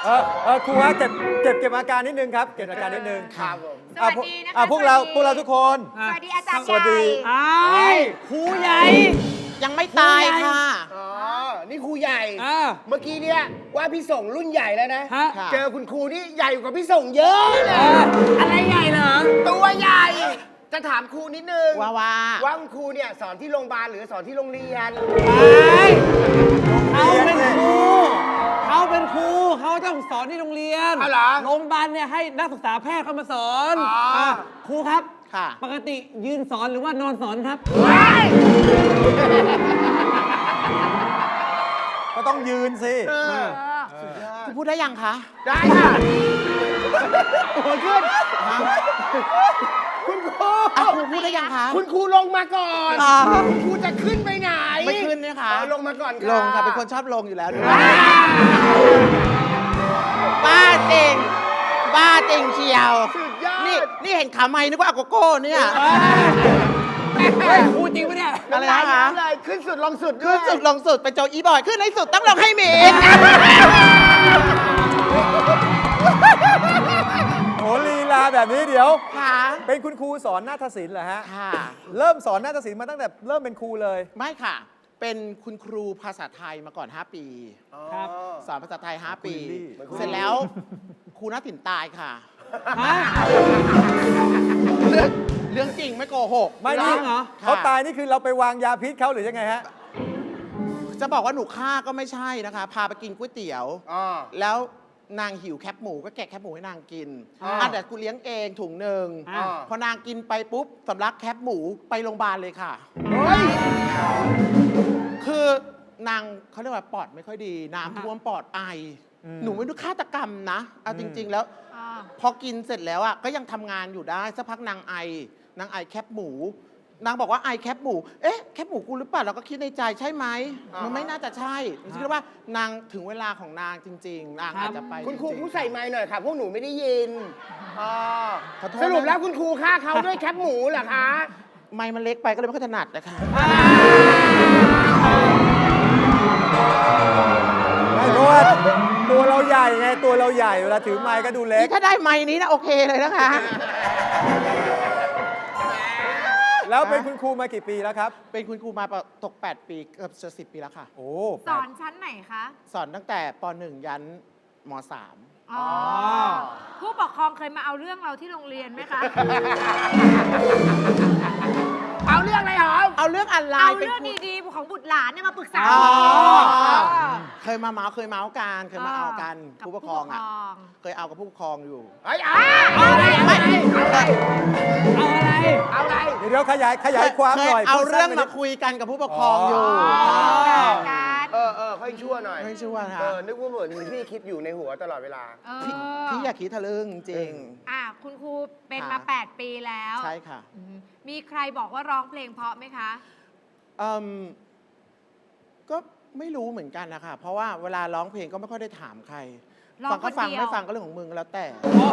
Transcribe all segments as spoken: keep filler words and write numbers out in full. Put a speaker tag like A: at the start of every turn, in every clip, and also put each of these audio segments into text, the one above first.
A: เออเออครูฮะเก็บเก็บเก็บอาการนิดนึงครับเก็บอาการนิดนึง
B: ครับผม
C: สวัสดีนะคะ
A: อ่พวกเราพวกเราทุกคน
C: สวัสดีอาจารย์
A: สวัสดี
C: ใหญ่
D: อ้ายครูใหญ่
B: ยังไม่ตายค่ะ
E: อ๋อ นี่ครูใหญ่
D: อ่า
E: เมื่อกี้เนี่ยว่าพี่ส่งรุ่นใหญ่แล้วนะ
D: ฮะ
B: ค่ะ
E: เจอคุณครูนี่ใหญ่กว่าพี่ส่งเยอะเล
D: เอย ออะไรใหญ่เหรอ
E: ตัวใหญ่ จะถามครูนิดนึง
B: ว่าว่า
E: ว่าคุณครูเนี่ยสอนที่โรงพยาบาลหรือสอนที่โรงเรียน
D: เขาเป็นครูเขาเป็นครูเขาต้องสอนที่โรงเรียน
E: เอาเหรอ
D: โรงพยาบาลเนี่ยให้นักศึกษาแพทย์เข้ามาสอน
E: อ๋ออ่
D: ะครูครับ
B: ค่ะ
D: ปกติยืนสอนหรือว่านอนสอนครับ
A: ก็ต้องยืนสิ
E: เออ
B: คุณพูดได้ยังคะ
E: ได้ค่ะหัวขึ้น คุณครู
B: อ่ะคุณพูดได้ยังคะ
E: คุณครูลงมาก่อน
B: อ่า
E: คุณครูจะขึ้นไปไหน
B: ไม่ขึ้นนะคะ
E: เอาลงมาก่อนค่ะ
B: ลงค่ะเป็นคนชอบลงอยู่แล้วด้วยบ้าจริง บ้าจริงเชียว
E: สุดยอด
B: นี่นี่เห็นขาไม้นึกว่าอาโกโก้เนี่ย
D: เฮ้ยครูจริงปะเนี่ย
B: อะไร
E: น้ำลาย
B: นะคะ
E: น้ำลายขึ้นสุดลงสุด
B: ขึ้นสุดลงสุดเป็นโจอีบอยขึ้นให้สุดต้องลงให้หมี
A: โหลีลาแบบนี้เดี๋ยว
B: ค่ะ
A: เป็นคุณครูสอนนาฏศิลป์เหรอฮะ
B: ค่ะ
A: เริ่มสอนนาฏศิลป์มาตั้งแต่เริ่มเป็นครูเลย
B: ไม่ค่ะ เป็นคุณครูภาษาไทยมาก่อน ห้า ปี
D: ครับ
B: สอนภาษาไทย ห้า ปี
A: คุณลี่
B: เสร็จแล้วครูนักถิ่นตายค่ะ
D: ฮะ
B: เรื่องเรื่องจริงไม่โกหก
A: ไม่
D: ร้
A: นี่
D: องเหรอ
A: เขาตายนี่คือเราไปวางยาพิษเขาหรือยังไงฮะ
B: จะบอกว่าหนูฆ่าก็ไม่ใช่นะคะ พาไปกินก๋วยเตี๋ยว
E: อ๋อ
B: แล้วนางหิวแคบหมูก็แกะแคบหมูให้นางกิน
E: อ่า
B: อ่ะแต่กูเลี้ยงเองถุงหนึ่ง
D: อ่า
B: พอนางกินไปปุ๊บสำลักแคบหมูไปโรงพยาบาลเลยค่ะ
E: เฮ้ย
B: คือนางเขาเรียกว่าปอดไม่ค่อยดี น้ำท่วมปอดไอ
A: อืม
B: หนูไม่รู้ฆาตกรรมนะเอาจริง ๆ แล้ว
C: อ่า
B: พอกินเสร็จแล้วอ่ะก็ยังทำงานอยู่ได้สักพักนางไอนางไอแคบหมู นางบอกว่าไอแคบหมู เอ๊ะแคบหมูกูหรือเปล่าเราก็คิดในใจใช่ไหม
E: อ่ามั
B: มันไม่น่าจะใช่คิดว่านางถึงเวลาของนางจริง ๆ นางอาจจะไป
E: คุณครู
B: จงๆ
E: ผู้ใส่ไม้หน่อยค่ะ พวกหนูไม่ได้ยินอ๋อ
B: ขอโทษนะ
E: สรุปแล้วคุณครูฆ่าเขาด้วยแคปหมูเหรอคะ
B: ไม้มันเล็กไปก็เลยไม่ค่อยถนัดนะคะ
A: ไม่เพราะว่าตัวเราใหญ่ไงตัวเราใหญ่เวลาถือไม้ก็ดูเล็ก
B: นี่ถ้าได้ไม้นี้นะโอเคเลยนะคะ
A: แล้วเป็นคุณครูมากี่ปีแล้วครับ
B: เป็นคุณครูมาตก แปด ปีเกือบจะสิบปีแล้วค่ะ
A: โอ้
C: สอนชั้นไหนคะ
B: สอนตั้งแต่ป หนึ่ง ยันม สาม
C: อ๋อ ผู้ปกครองเคยมาเอาเรื่องเราที่โรงเรียนไหมคะ
E: เอาเรื่องอะไรหรอ
B: เอาเรื่องอะไร
C: เอา
B: เป็น
C: เรื่อง
B: ครู
C: ดีๆของบุตรหลานเนี่ยมาปรึกษา
B: อ๋อ
C: เออ
B: เคยมาเมาส์เคยเมาส์กันเคยมาเอากัน
C: กับ
B: ผู้ปกครองอ่ะ
C: ผู้ปกครอง
B: เคยเอากับผู้ปกครองอยู่
E: เฮ้ยเอา
C: เอาอะไรเอาอะไร
D: เอาอะไร
E: เอาอะไร
A: เดี๋ยวเดี๋ยวขยายขยายความ
B: เค
A: หน่อย
B: เอา
A: พูด
B: เรื่อง
A: สั้นไป
B: มา
A: นิด
B: คุยกันกับผู้ปกครองอยู่
A: อ๋อ
B: ค่ะ
C: การ
E: เออเออค่อยชั่วหน่อย
B: ไม่ชั่วค่ะ
E: เออ นึกว่าเหมือนพี่คิดอยู่ในหัวตลอดเวลา
C: เออ
B: พี่พี่อย่าคิดทะลึ่งจริง
C: อ่ะคุณครูเป็น
B: ค่ะ
C: มา แปด ปีแล้ว
B: ใช่ค่ะ
C: อืมมีใครบอกว่าร้องเพลงเพราะไหมคะ
B: อืมก็ไม่รู้เหมือนกันนะคะ เพราะว่าเวลาร้องเพลงก็ไม่ค่อยได้ถามใคร
C: ร้อง
B: ฟังก็ฟัง
C: คนเดียว
B: ไม่ฟังก็เรื่องของมึงแล้วแต่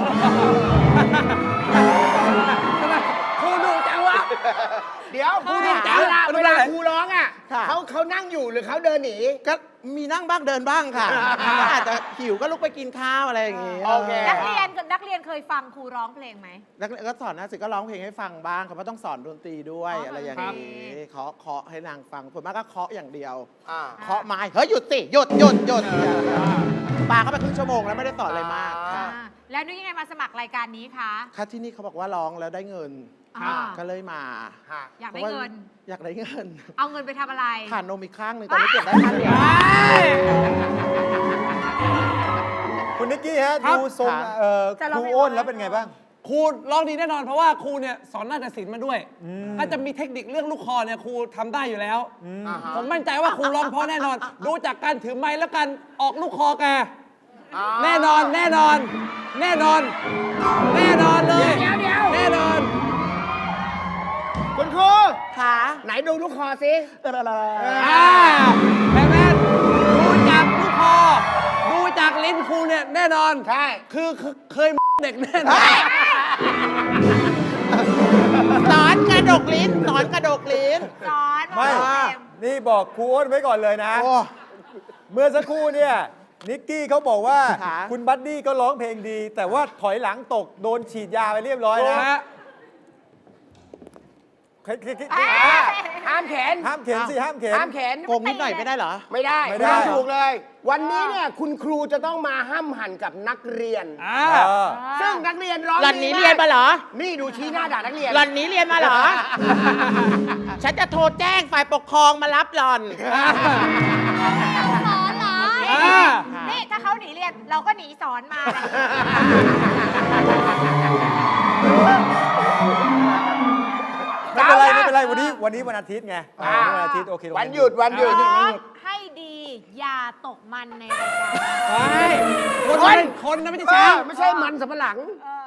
E: ครูดูจังวะ เดี๋ยวครูดูจังเวลาเวลาครูร้องอ่ะ
B: ค่ะ
E: เขาเขานั่งอยู่หรือเขาเดินหนี
B: ก็มีนั่งบ้างเดินบ้างค่ะ ก็อาจจะหิวก็ลุกไปกินข้าวอะไรอย่างงี้
E: โอเค
C: นักเรียนกับนักเรียนเคยฟังครูร้องเพลงไหม
B: แล้วก็สอนนะสิก็ร้องเพลงให้ฟังบ้างค่ะเพราะต้องสอนดนตรีด้วย
C: อ๋ออ
B: อะไรอย่าง
C: ครับ
B: นี้เคาะเคาะให้นางฟังผมมากก็เคาะอย่างเดียว
E: อ่า
B: เคาะไม้เฮ้ยหยุดสิหยุดหยุดหยุดปาเข้าไปครึ่งชั่วโมงแล้วไม่ได้สอนอะไรมากค่ะ
C: อ่าแล้วนึกยังไงมาสมัครรายการนี้คะ
B: ค่ะที่นี่เขาบอกว่าร้องแล้วได้เงิน
C: อ่า
B: ก็เลยมา
E: ค่ะ
C: อยากได้เงิน
B: อยากได้เงิน
C: เอาเงินไปทำอะไร
B: ผ่านนมอีกข้างหนึ่งตอนนี้เก็บได้ข้างเดียว
A: คุณนิกกี้ฮะ
D: ครับ
A: ดูทรง
B: ครับ
A: เอ่อ
C: จะ
A: ค
C: ร้อง
A: รู
C: เพลง
A: อ้น
C: ไหม
A: แล้วเป็นไงบ้าง
D: ครูร้องดีแน่นอน เพราะว่าครูเนี่ยสอนนาฏศิลป์มาด้วย ก็จะมีเทคนิคเรื่องลูกคอเนี่ยครูทำได้อยู่แล้ว
E: อ่าฮะ
D: ผมมั่นใจว่าครูร้องเพราะแน่นอน ดูจากการถือไม้และการออกลูกคอแก
E: อ่า
D: แน่นอนแน่นอน แน่นอน แน่นอนเลย
E: เดี๋ยวเดี๋ยว
D: แน่นอน
E: คุณครู
B: ค่ะ
E: ไหนดูลูกคอสิ
D: อ่าแม่แม่ดูจากลูกคอ ดูจากลิ้นครูเนี่ยแน่นอน
E: ใช่
D: คือคือเคยเด็กแน่นอน
B: สอนกระดกลิ้นสอนกระดกลิ้น
C: สอน
A: ไม่
C: ร้องเพลง
A: นี่บอกครูอ้นไว้ก่อนเลยนะ
B: โอ้
A: เมื่อสักครู่เนี่ยนิกกี้เขาบอกว่า
B: ค่ะ
A: คุณบัดดี้ก็ร้องเพลงดี แต่ว่าถอยหลังตกโดนฉีดยาไปเรียบร้อย
D: นะ
A: นะ
D: ฮะ
E: ห้ามเข็น
A: ห้ามเข็นสิห้ามเข็น
E: ห้ามเข็น
B: โกงนิดหน่อยไม่ได้เหรอ
E: ไม่ได้
A: ไม่ได้
E: ห้ามถูกเลย วันนี้เนี่ยคุณครูจะต้องมาห้ามหันกับนักเรียน
D: อ่า
A: เออ
E: ซึ่งนักเรียนร้อง
B: หล่อนนี้
E: ดีก
B: เรียนมาเหรอ
E: นี่ดูชี้หน้าด่านักเรียน
B: หล่อนนี้เรียนมาเหรอ ฉันจะโทรแจ้งฝ่ายปกครองมารับหล่อน
C: สอนเหรอ
D: อ่า
C: นี่ถ้าเขาหนีเรียนเราก็หนีสอนมาเลย
A: ไม่เป็นไรไม่เป็นไรวันนี้วันนี้วันอาทิตย์ไง
E: อ่า
A: วันอาทิตย์โอเค
E: วันหยุดวันหยุด
C: ร้องให้ดี อย่าตกมันในรายการ
D: ไปคนนะคนนะไม่ใช่
E: เอ
D: ช้า
E: อง ไม่ใช่มันสำปะหลัง
C: เออ